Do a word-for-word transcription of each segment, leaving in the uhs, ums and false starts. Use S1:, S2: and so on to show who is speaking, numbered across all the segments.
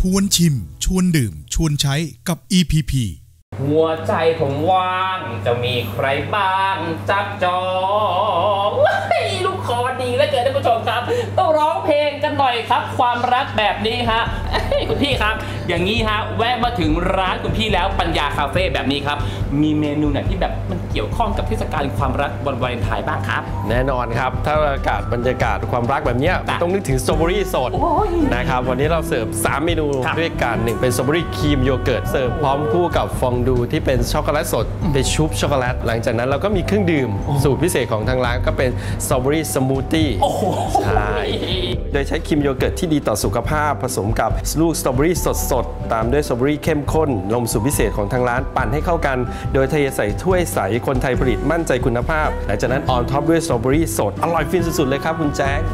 S1: ชวนชิมชวนดื่มชวนใช้กับ อี พี พี
S2: หัวใจผมว่างจะมีใครบ้างจับจองลูกคอดีแล้วเกิดท่านผู้ชมครับต้องร้องเพลงกันหน่อยครับความรักแบบนี้ฮะคุณพี่ครับอย่างนี้ฮะแวะมาถึงร้านคุณพี่แล้วปัญญาคาเฟ่แบบนี้ครับมีเมนูไหนที่แบบมันเกี่ยวข้องกับเทศกาลความรักวันวาเลนไทน์บ้างครับ
S3: แน่นอนครับถ้าอากาศบรรยากาศความรักแบบนี้ต้องนึกถึงสตรอเบอรี่สดนะครับวันนี้เราเสิร์ฟสามเมนูด้วยกันหนึ่งเป็นสตรอเบอรี่ครีมโยเกิร์ตเสิร์ฟพร้อมคู่กับฟองดูที่เป็นช็อกโกแลตสดเป็นชุบช็อกโกแลตหลังจากนั้นเราก็มีเครื่องดื่มสูตรพิเศษของทางร้านก็เป็นสตรอเบอรี่สมูทตี้ใช่โดยใช้ครีมโยเกิร์ตที่ดีต่อสุขภาพผสมกับลูกสตรอเบอรี่สดๆตามด้วยสตรอเบอรี่เข้มข้นนมสูตรพิเศษของทางร้านปั่นให้เข้ากันโดยเทใส่ถ้วยใสคนไทยผลิตมั่นใจคุณภาพหลังจากนั้นออนท็อปด้วยสตรอเบอรี่สดอร่อยฟินสุดๆเลยครับคุณแจ๊ค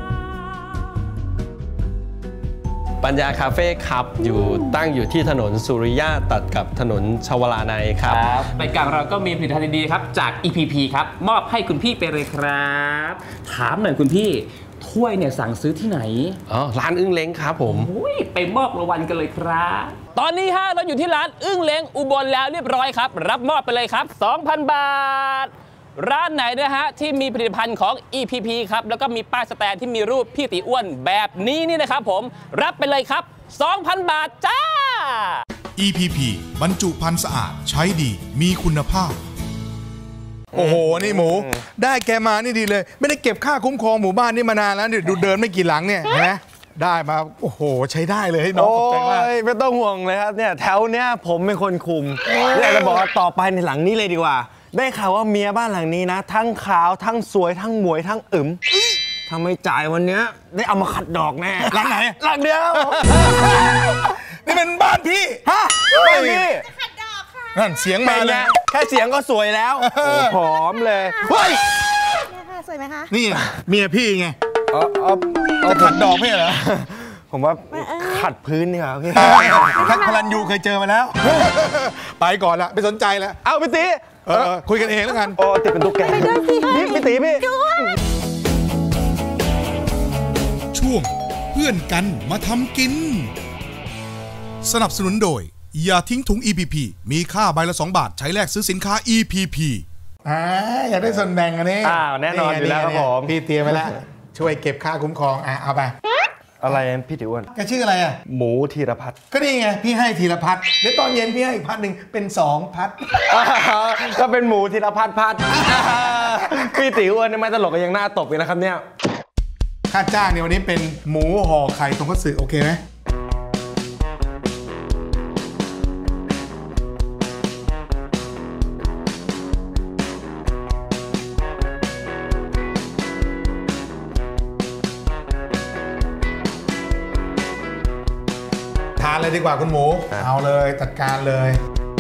S3: ปัญญาคาเฟ่ครับอยู่ตั้งอยู่ที่ถนนสุริยะตัดกับถนนชวลานัยครับ
S2: รายการเราก็มีผลิตภัณฑ์ดีๆครับจาก อี พี พี ครับมอบให้คุณพี่ไปเลยครับถามหน่อยคุณพี่ถ้วยเนี่ยสั่งซื้อที่ไหน
S3: อ๋อร้านอึ้งเล้งครับผม
S2: ไปมอบรางวัลกันเลยครับตอนนี้ฮะเราอยู่ที่ร้านอึ้งเล้งอุบลแล้วเรียบร้อยครับรับมอบไปเลยครับ สองพัน บาทร้านไหนนะฮะที่มีผลิตภัณฑ์ของ อี พี พี ครับแล้วก็มีป้ายสแตนที่มีรูปพี่ตีอ้วนแบบนี้นี่นะครับผมรับไปเลยครับ สองพัน บาทจ้า
S1: อี พี พี บรรจุภัณฑ์สะอาดใช้ดีมีคุณภาพ
S4: โอ้โหนี่หมูได้แกมานี่ดีเลยไม่ได้เก็บค่าคุ้มครองหมู่บ้านนี่มานานแล้วดูเดินไม่กี่หลังเนี่ยนะได้มาโอ้โหใช้ได้เลยน้องขอบใจมาก
S5: ไม่ต้องห่วงเลยครับเนี่ยแถวเนี้ยผมเป็นคนคุมอยากจะบอกว่าต่อไปในหลังนี้เลยดีกว่าได้ข่าวว่าเมียบ้านหลังนี้นะทั้งขาวทั้งสวยทั้งหมวยทั้งอึ๋มทำไมจ่ายวันเนี้ยได้เอามาขัดดอกแน่
S4: หลังไหน
S5: หลังเดียว
S4: นี่เป็นบ้านพี่
S5: ฮะบ้านพี่
S4: ขัดดอกค่ะนั่นเสียงมาเลย
S5: แค่เสียงก็สวยแล้วหอมเลย
S4: เฮ้ย
S6: สวยไหมคะ
S4: นี่เมียพี่ไงจะขัดดอกไม่เหรอ
S5: ผมว่าขัดพื้นนี่ครับพี่
S4: ทักพลันยูเคยเจอมาแล้วไปก่อนละไม่สนใจแล้ว
S5: เอาพี่ตี
S4: เออคุยกันเองแล้วกัน
S5: โอ้ติดเป็นตุ๊กแกนี่พี่ตีพี่
S1: ช่วงเพื่อนกันมาทำกินสนับสนุนโดยอย่าทิ้งถุง อี พี พี มีค่าใบละสองบาทใช้แลกซื้อสินค้า อี พี พี
S4: อ่าอยากได้ส่วนแบ่งอันนี้
S5: อ้าวแน่นอนอยู่แล้วครับผม
S4: พี่เตรียมไว้แล้วช่วยเก็บค่าคุ้มครองอ่ะเอาไป
S5: อะไรพี่ติ๋วแ
S4: กชื่ออะไรอ่ะ
S5: หมูธีรพัฒน์
S4: ก็นี่ไงพี่ให้ธีรพัฒน์เดี๋ยวตอนเย็นพี่ให้อีกพัฒน์หนึ่งเป็นสองพัฒน์
S5: ก็เป็นหมูธีรพัฒน์พัฒน์พี่ติ๋วอ้วนไม่ตลกก็ยังหน้าตบเลยนะครับเนี่ย
S4: ค่าจ้างเนี่ยวันนี้เป็นหมูห่อไข่ทงคัตสึโอเคไหมทานเลยดีกว่าคุณหมูเอาเลยจัดการเลย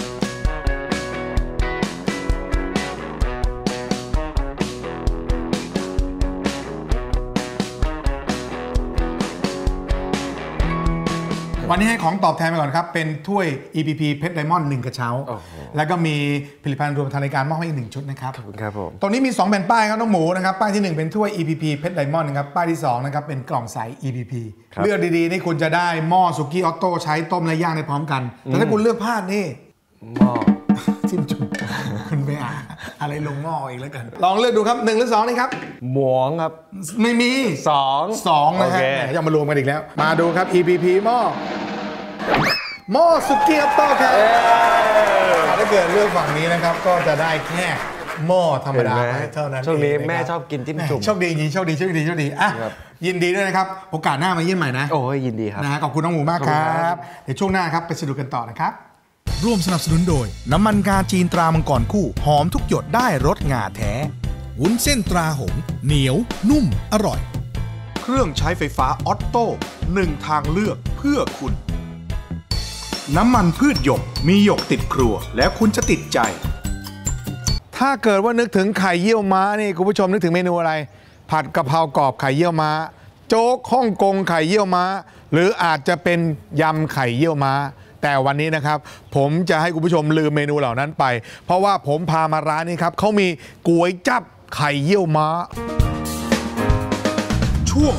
S4: วันนี้ให้ของตอบแทนไปก่อนครับเป็นถ้วย อี พี พี เพชรไดมอนด์หนึ่งกระเช้าแล้วก็มีผลิตภัณฑ์รวมทางรายการมอบให้อีกหนึ่งชุดนะครับ
S5: ขอบคุณครับผม
S4: ตรงนี้มีสองแผ่นป้ายครับน้องหมูนะครับป้ายที่หนึ่งเป็นถ้วย อี พี พี เพชรไดมอนด์นะครับป้ายที่สองนะครับเป็นกล่องใส อี พี พี เลือกดีๆนี่คุณจะได้หม้อสุกี้ออโต้ใช้ต้มและย่างได้พร้อมกันแต่ถ้าคุณเลือกพลาดนี่
S5: หม้อ
S4: จิ้มจุ่มคุณไปอ่านอะไรลงหม้ออีกแล้วกันลองเลือกดูครับหนึ่งหรือสองนี่ครับ
S5: หมวงครับ
S4: ไม่มี
S5: สอง
S4: สองนะฮะยังมารวมกันอีกแล้วมาดูครับ อี พี พี หม้อหม้อสุกี้ออโต้ครับถ้าเกิดเลือกฝั่งนี้นะครับก็จะได้แค่หม้อธรรมดาเท่านั้น
S5: ช่วงนี้แม่ชอบกินจิ้มจุ่ม
S4: โชคดีจริงโชคดีโชคดีโชคดีอ่ะยินดีด้วยนะครับโอกาสหน้ามาเยี่ยมใหม่นะ
S5: โอ้ยยินดีครับ
S4: นะขอบคุณน้องหมูมากครับเดี๋ยวช่วงหน้าครับไปสนุกกันต่อนะครับ
S1: ร่วมสนับสนุนโดยน้ำมันงาจีนตรามังกรคู่หอมทุกหยดได้รสงาแท้วุ้นเส้นตราหงเหนียวนุ่มอร่อยเครื่องใช้ไฟฟ้าออตโต้หนึ่งทางเลือกเพื่อคุณน้ำมันพืชหยกมีหยกติดครัวแล้วคุณจะติดใจ
S4: ถ้าเกิดว่านึกถึงไข่เยี่ยวม้านี่คุณผู้ชมนึกถึงเมนูอะไรผัดกะเพรากรอบไข่เยี่ยวม้าโจ๊กฮ่องกงไข่เยี่ยวม้าหรืออาจจะเป็นยำไข่เยี่ยวม้าแต่วันนี้นะครับผมจะให้คุณผู้ชมลืมเมนูเหล่านั้นไปเพราะว่าผมพามาร้านนี้ครับเขามีก๋วยจั๊บไข่เยี่ยวม้า
S1: ช่วง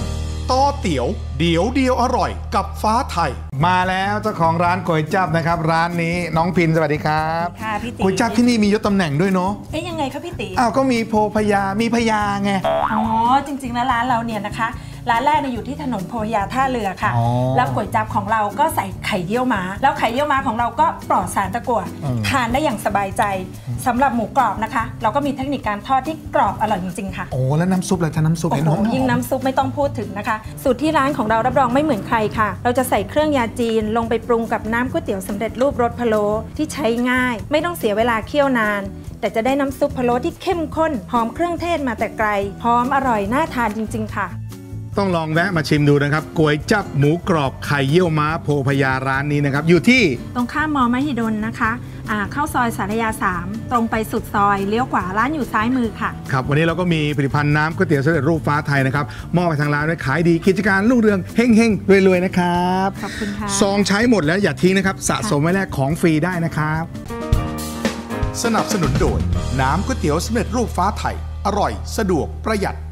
S1: ต่อเตี๋ยวเดี๋ยวเดียวอร่อยกับฟ้าไทย
S4: มาแล้วเจ้าของร้านก๋วยจั๊บนะครับร้านนี้น้องพินสวัสดีครับ
S6: ค่ะพี่ตี
S4: ก๋วยจั๊บที่นี่มียศตำแหน่งด้วยเนาะ
S6: เอ๊ยยังไงคะพี่ตี
S4: อ้าวก็มีโพพยามีพยาไง
S6: อ๋อจริงๆแล้วร้านเราเนี่ยนะคะร้านแรกเนี่ยอยู่ที่ถนนโพพยาท่าเรือค่ะแล้วก๋วยจั๊บของเราก็ใส่ไข่เยี่ยวม้าแล้วไข่เยี่ยวม้าของเราก็ปลอดสารตะกั่วทานได้อย่างสบายใจสำหรับหมูกรอบนะคะเราก็มีเทคนิคการทอดที่กรอบอร่อยจริงๆค่ะ
S4: โอ้แล้วน้ำซุปอะไรท่าน้ำซุป
S6: โอ้โหยิ่งน้ำซุปไม่ต้องพูดถึงนะคะสูตรที่ร้านของเรารับรองไม่เหมือนใครค่ะเราจะใส่เครื่องยาจีนลงไปปรุงกับน้ำก๋วยเตี๋ยวสำเร็จรูปรสพะโล้ที่ใช้ง่ายไม่ต้องเสียเวลาเคี่ยวนานแต่จะได้น้ำซุปพะโล้ที่เข้มข้นหอมเครื่องเทศมาแต่ไกลหอมอร่อยน่าทานจริงๆค่ะ
S4: ต้องลองแวะมาชิมดูนะครับก๋วยจั๊บหมูกรอบไข่เยี่ยวม้าโพพยาร้านนี้นะครับอยู่ที่
S6: ตรงข้ามมอมหิดลนะคะเข้าซอยสารยาสามตรงไปสุดซอยเลี้ยวขวาร้านอยู่ซ้ายมือค่ะ
S4: ครับวันนี้เราก็มีผลิตภัณฑ์น้ำก๋วยเตี๋ยวสำเร็จรูปฟ้าไทยนะครับมอบไปทางร้านด้วยขายดีกิจการรุ่งเรืองเฮงเฮงรวยๆนะครับ
S6: ขอบคุณค่ะ
S4: ซองใช้หมดแล้วอย่าทิ้งนะครับสะสมไว้แลกของฟรีได้นะครับ
S1: สนับสนุนโดยน้ำก๋วยเตี๋ยวสำเร็จรูปฟ้าไทยอร่อยสะดวกประหยัด